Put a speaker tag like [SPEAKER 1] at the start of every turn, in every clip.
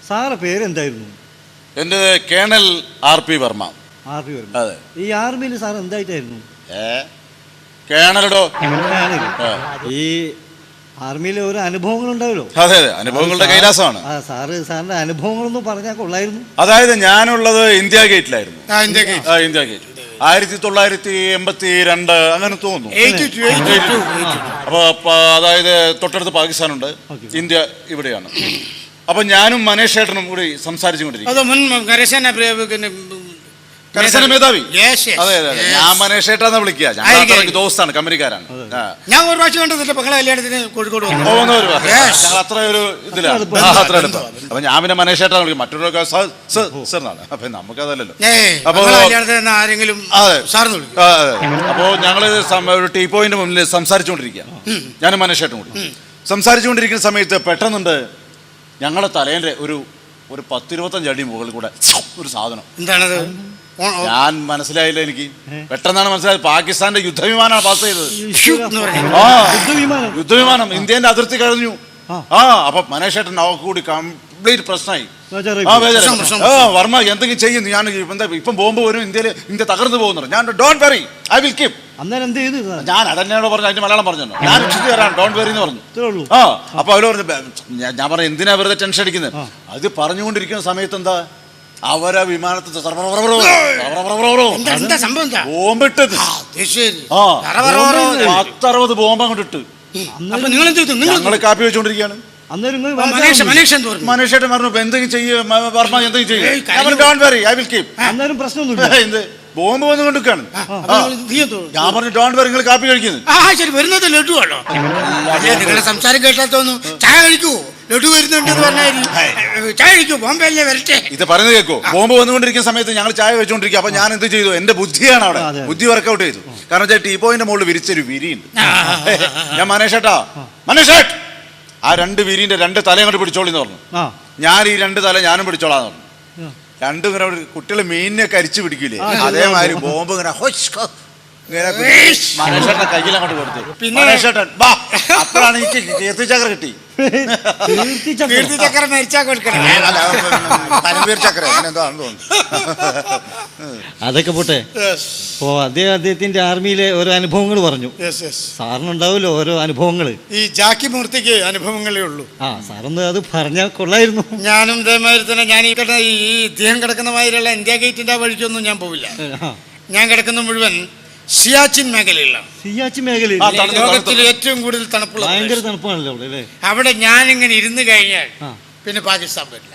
[SPEAKER 1] സാറെ പേരെന്തായിരുന്നു?
[SPEAKER 2] എൻ്റെ കേണൽ RP വർമ്മ.
[SPEAKER 1] അതെ. ഈ ആർമിയിൽ സാർ എന്തായിട്ടായിരുന്നു?
[SPEAKER 2] കേണലോ.
[SPEAKER 1] ഈ ആർമിയിലെ ഓരോ അനുഭവങ്ങൾ ഉണ്ടാവല്ലോ.
[SPEAKER 2] അതെ, അനുഭവങ്ങളുടെ കൈലാസമാണ്.
[SPEAKER 1] സാറിന്റെ അനുഭവങ്ങളൊന്നും പറഞ്ഞാൽ കൊള്ളായിരുന്നു.
[SPEAKER 2] അതായത് ഞാനുള്ളത് ഇന്ത്യ ഗേറ്റിലായിരുന്നു. ഇന്ത്യ ഗേറ്റ് 1982 അങ്ങനെ തോന്നുന്നു. അപ്പൊ അതായത് തൊട്ടടുത്ത് പാകിസ്ഥാനുണ്ട്, ഇന്ത്യ ഇവിടെയാണ്. അപ്പൊ ഞാനും മനേഷ് ഏട്ടനും കൂടി സംസാരിച്ചുകൊണ്ടിരിക്കും. കരസേന മേധാവി. അതെ അതെ, ഞാൻ മനേഷ് ഏട്ടാന്ന് വിളിക്കുക. ഞാൻ ദോസ്താണ്, കമ്പനിക്കാരാണ്.
[SPEAKER 3] ഞാൻ ഒരു പ്രാവശ്യം കണ്ടതില്ല മകളെ കല്യാണത്തിന് കോഴിക്കോട്
[SPEAKER 2] അത്ര ഒരു ഇതിലാണ്, അത്ര എടുത്തു. അപ്പൊ ഞാൻ പിന്നെ മനേഷ് ഏട്ടാന്ന് വിളിക്കും, മറ്റൊരു സാറിനാണ്. അപ്പൊ നമുക്കതല്ലല്ലോ. അപ്പൊ
[SPEAKER 3] ആരെങ്കിലും
[SPEAKER 2] അപ്പോ ഞങ്ങള് ഒരു ടീ പോയിന്റ് മുന്നിൽ സംസാരിച്ചുകൊണ്ടിരിക്കുക, ഞാനും മനേഷ് ഏട്ടനും കൂടി സംസാരിച്ചുകൊണ്ടിരിക്കുന്ന സമയത്ത് പെട്ടെന്നുണ്ട് ഞങ്ങളുടെ തലേന്റെ ഒരു 10-25 അടി മുകളിൽ കൂടെ ഒരു സാധനം.
[SPEAKER 3] എന്താണത്?
[SPEAKER 2] ഞാൻ മനസ്സിലായില്ല. എനിക്ക് പെട്ടെന്നാണ് മനസ്സിലായത്, പാകിസ്ഥാന്റെ യുദ്ധവിമാനമാണ് പാസ് ചെയ്തത്. യുദ്ധവിമാനം ഇന്ത്യന്റെ അതിർത്തി കഴിഞ്ഞു. അപ്പൊ മനേഷ് ഏട്ടൻ അവർക്ക് കൂടി കംപ്ലീറ്റ് പ്രശ്നമായി. വർമ്മ എന്തെങ്കിലും ചെയ്യുന്നു, ഞാൻ ഇപ്പം ബോംബ് വരും, ഇന്ത്യ തകർന്നു പോകുന്നു. ഞാൻ don't worry, I will keep. ഞാൻ അതന്നെയാണോ പറഞ്ഞു, അതിന്റെ മലയാളം പറഞ്ഞു, ഞാൻ രക്ഷിച്ചു തരാം, ഡോണ്ട് വെറി എന്ന് പറഞ്ഞു. അപ്പൊ അവര് പറഞ്ഞു, ഞാൻ പറഞ്ഞു എന്തിനാ വെറുതെ ടെൻഷൻ അടിക്കുന്നത്. അത് പറഞ്ഞുകൊണ്ടിരിക്കുന്ന സമയത്ത് എന്താ അവരാ വിമാനത്തിൽ ബോംബിട്ടത്. 10-60 ബോംബ് അങ്ങോട്ട് ഇട്ട് ഞങ്ങള് കാപ്പി വെച്ചോണ്ടിരിക്കുകയാണ്. മനേഷേട്ടൻ പറഞ്ഞു എന്തെങ്കിലും ചെയ്യും വർമ്മ, എന്തെങ്കിലും ചെയ്യും, don't worry, I will keep. എന്ത് ബോംബ് വന്നു കൊണ്ടിരിക്കുകയാണ്. ഞാൻ പറഞ്ഞു ഡോണ്ട് വെറി, നിങ്ങൾ കാപ്പി കഴിക്കുന്നത്.
[SPEAKER 3] നിങ്ങളുടെ സംസാരം കേട്ടാൽ തോന്നുന്നു ചായ കഴിക്കൂ, ലഡു വരുന്നുണ്ടെന്ന് പറഞ്ഞാൽ ചായ കഴിക്കൂ, ബോംബെല്ലേ വരട്ടെ.
[SPEAKER 2] ഇത് പറയുന്നത് കേൾക്കോ. ബോംബ് വന്നുകൊണ്ടിരിക്കുന്ന സമയത്ത് ഞങ്ങൾ ചായ വെച്ചോണ്ടിരിക്കുക. അപ്പൊ ഞാൻ എന്ത് ചെയ്തു, എന്റെ ബുദ്ധിയാണ് അവിടെ, ബുദ്ധി വർക്കൗട്ട് ചെയ്തു. കാരണം ടീ പോയിന്റെ മുകളിൽ വിരിച്ചൊരു വിരിയുണ്ട്. ഞാൻ മനേഷേട്ടാ, മനേഷേട്ട് ആ 2 വിരിന്റെ 2 തല അങ്ങോട്ട് പിടിച്ചോളിന്ന് പറഞ്ഞു. ഞാൻ ഈ 2 തല ഞാനും പിടിച്ചോളാന്ന് പറഞ്ഞു. രണ്ടും ഇങ്ങനെ കുട്ടികള് മീനിനെ കരിച്ചു പിടിക്കൂലേ, അതേമാതിരി ബോംബ് ഇങ്ങനെ മനേഷേട്ടനെ കയ്യിൽ അങ്ങോട്ട് കൊടുത്തു. മനേഷേട്ടൻ അപ്പോഴാണ് എനിക്ക് കീർത്തിചക്ര കിട്ടി.
[SPEAKER 3] കീർത്തിചക്ര മരിച്ചാ കൊടുക്കണം,
[SPEAKER 2] പരംവീർ ചക്ര എന്താണെന്ന് തോന്നുന്നു.
[SPEAKER 1] അതൊക്കെ പോട്ടെ. അപ്പോ അദ്ദേഹത്തിന്റെ ആർമിയിലെ ഓരോ അനുഭവങ്ങൾ പറഞ്ഞു. സാറിനുണ്ടാവുമല്ലോ ഓരോ അനുഭവങ്ങള്.
[SPEAKER 3] ഈ ജാക്കി മൂർത്തിക്ക് അനുഭവങ്ങളേ ഉള്ളൂ.
[SPEAKER 1] സാറൊന്ന് അത് പറഞ്ഞാൽ കൊള്ളായിരുന്നു.
[SPEAKER 3] ഞാനും ഇതേമാതിരി തന്നെ, ഞാൻ ഈ ഇദ്ദേഹം കിടക്കുന്ന മാതിരിയുള്ള ഇന്ത്യ ഗേറ്റിന്റെ വഴിക്കൊന്നും ഞാൻ പോവില്ല. ഞാൻ കിടക്കുന്ന മുഴുവൻ സിയാച്ചിൻ മേഖലയിലാണ്.
[SPEAKER 1] സിയാച്ചിൻ മേഖലയിൽ
[SPEAKER 3] ലോകത്തിൽ ഏറ്റവും കൂടുതൽ തണുപ്പുള്ള,
[SPEAKER 1] ഭയങ്കര തണുപ്പാണല്ലോ അവിടെ.
[SPEAKER 3] അവിടെ ഞാനിങ്ങനെ ഇരുന്ന് കഴിഞ്ഞാൽ പിന്നെ പാകിസ്ഥാൻ വരില്ല.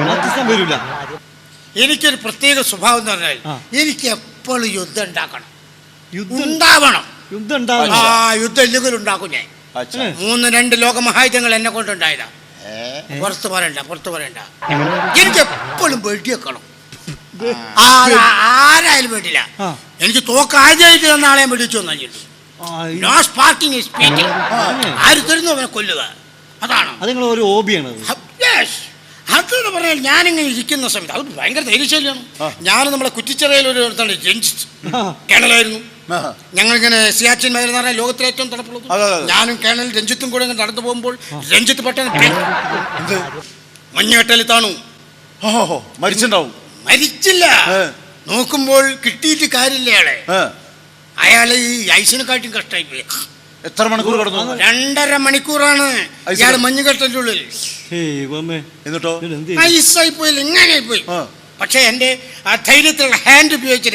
[SPEAKER 3] എനിക്കൊരു പ്രത്യേക സ്വഭാവം എന്ന് പറഞ്ഞാൽ എനിക്ക് എപ്പോഴും യുദ്ധം ഉണ്ടാക്കണം, ഉണ്ടാവണം. യുദ്ധം ഇല്ലെങ്കിൽ ഉണ്ടാക്കും ഞാൻ. 2 ലോകമഹായുധങ്ങൾ എന്നെ കൊണ്ടുണ്ടായതാ. പുറത്ത് പറയണ്ട. എനിക്ക് എപ്പോഴും വെടിവെക്കണം. ആരായാലും വേണ്ടില്ല, എനിക്ക് തോക്കാദ്യമായിട്ട് തന്ന ആളെ വെടിച്ചു തന്നിട്ടുണ്ട്. No sparking is speaking. ആര് തരുന്നു അവനെ കൊല്ലുക, അതാണ്
[SPEAKER 1] ഒരു ഹോബിയാണ്.
[SPEAKER 3] അതെന്ന് പറഞ്ഞാൽ ഞാനിങ്ങനെ ഇരിക്കുന്ന സമയത്ത് അത് ഭയങ്കര ധൈര്യശാലിയാണ്. ഞാൻ നമ്മളെ കുറ്റിച്ചിറയിൽ ഒരു രഞ്ജിത്ത് കേണലായിരുന്നു. ഞങ്ങളിങ്ങനെ സിയാച്ചിൻ മേഖല എന്ന് പറഞ്ഞാൽ ലോകത്തിലെ ഏറ്റവും തണുപ്പുള്ളത്. ഞാനും കേണൽ രഞ്ജിത്തും കൂടെ ഇങ്ങനെ നടന്നു പോകുമ്പോൾ രഞ്ജിത്ത് പെട്ടെന്ന് മഞ്ഞുകെട്ടലിൽ താണു. മരിച്ചില്ല, നോക്കുമ്പോൾ കിട്ടിയിട്ട് കാര്യമില്ല. അയാളെ ഈ ഐസിനെക്കാട്ടും കഷ്ടമായി പോയി.
[SPEAKER 2] എത്ര മണിക്കൂർ കിടന്നു?
[SPEAKER 3] 2.5 മണിക്കൂറാണ് ഇയാൾ മഞ്ഞുകെട്ടലിന്റെ ഉള്ളിൽ.
[SPEAKER 2] എന്നിട്ടോ
[SPEAKER 3] ഐസായി പോയില്ല, ഇങ്ങനെ പോയി. പക്ഷെ എന്റെ ആ ധൈര്യത്തിലുള്ള ഹാൻഡ് ഉപയോഗിച്ചിട്ട്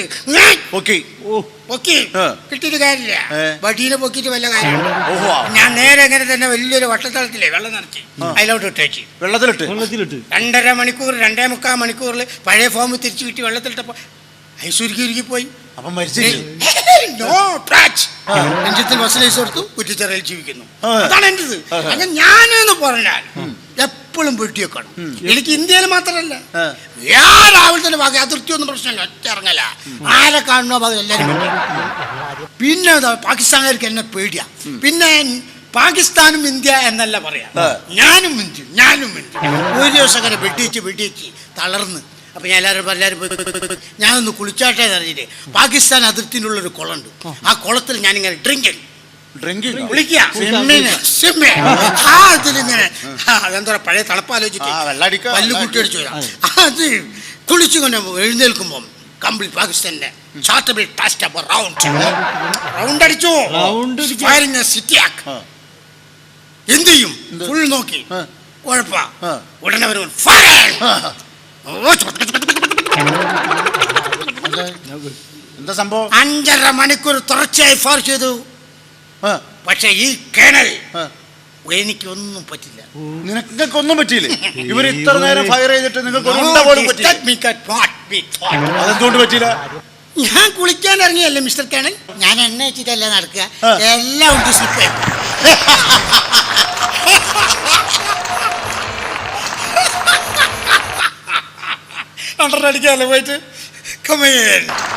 [SPEAKER 3] കിട്ടിയിട്ട് കാര്യമില്ല. വടീനെ പൊക്കിയിട്ട് വല്ല കാര്യം. ഞാൻ നേരെ എങ്ങനെ തന്നെ വലിയൊരു വട്ടത്തളത്തിലെ വെള്ളം നിറച്ച് അതിലോട്ട് ഇട്ടേച്ച്
[SPEAKER 2] വെള്ളത്തിലിട്ട്
[SPEAKER 3] 2.5 മണിക്കൂർ 2.25 മണിക്കൂറിൽ പഴയ ഫോം തിരിച്ചു കിട്ടി വെള്ളത്തിലിട്ടപ്പോ ഐസുരുക്കി പോയി. രഞ്ജിത്തിൽ ബസ്സിലേസ് കൊടുത്തു, കുറ്റിച്ചിറയിൽ ജീവിക്കുന്നു. അതാണ് എന്റേത്. അങ്ങനെ ഞാനെന്ന് പറഞ്ഞാൽ എപ്പോഴും വെട്ടിവെക്കണം. എനിക്ക് ഇന്ത്യയിൽ മാത്രമല്ല, രാവിലത്തെ ഭാഗം അതിർത്തിയൊന്നും പ്രശ്നമില്ല, ഒറ്റ ഇറങ്ങല. ആരെ കാണുന്നോ ഭാഗം എല്ലാവരും. പിന്നെ പാകിസ്ഥാനുകാർക്ക് എന്നെ പേടിയാ. പിന്നെ പാകിസ്ഥാനും ഇന്ത്യ എന്നല്ല പറയാ, ഞാനും ഇന്ത്യ. ഒരു ദിവസം അങ്ങനെ വെട്ടിച്ച് തളർന്ന്. അപ്പൊ ഞാൻ എല്ലാവരും ഞാനൊന്ന് കുളിച്ചാട്ടെ അറിഞ്ഞിട്ട് പാകിസ്ഥാൻ അതിർത്തിനുള്ളൊരു കുളമുണ്ട്. ആ കുളത്തിൽ ഞാനിങ്ങനെ ഡ്രിങ്കിങ്
[SPEAKER 2] ഡ്രിങ്കിങ്
[SPEAKER 3] കുളിക്കുക സ്വിമ്മിങ് ആ ഇതിലിങ്ങനെ അതെന്താ പഴയ തണുപ്പാലോചിച്ചിട്ട് പല്ല് കുട്ടി അടിച്ചു വരാം അത് കുളിച്ചുകൊണ്ട് എഴുന്നേൽക്കുമ്പോൾ കംപ്ലീറ്റ് പാകിസ്ഥാന്റെ ചാർട്ടബിൾ ടാസ്റ്റ് അപ്പ് റൗണ്ട് അടിച്ചു ഫയറിംഗ് സിറ്റി ആക്ക് എന്ത് ചെയ്യും ഫുൾ നോക്കി കുഴപ്പ ഉടനെ വരും
[SPEAKER 2] എന്താ സംഭവം
[SPEAKER 3] 5.5 മണിക്കൂർ തുടർച്ചയായി ഫയർ ചെയ്തു പക്ഷെ ഈ കേണൽ എനിക്കൊന്നും പറ്റില്ല
[SPEAKER 2] നിനക്കൊന്നും പറ്റിയില്ലേ ഇവർ ഇത്ര നേരം ഫയർ ചെയ്തിട്ട് നിങ്ങൾക്ക് അതെന്തുകൊണ്ട് പറ്റിയില്ല
[SPEAKER 3] ഞാൻ കുളിക്കാൻ ഇറങ്ങിയല്ലേ മിസ്റ്റർ കേണൽ ഞാൻ എണ്ണ വെച്ചിട്ടല്ല നടക്കുക എല്ലാം ഉണ്ട് സ്ലിപ്പ് അണ്ടറടിക്കാല്ലേ പോയിട്ട് കമേൻ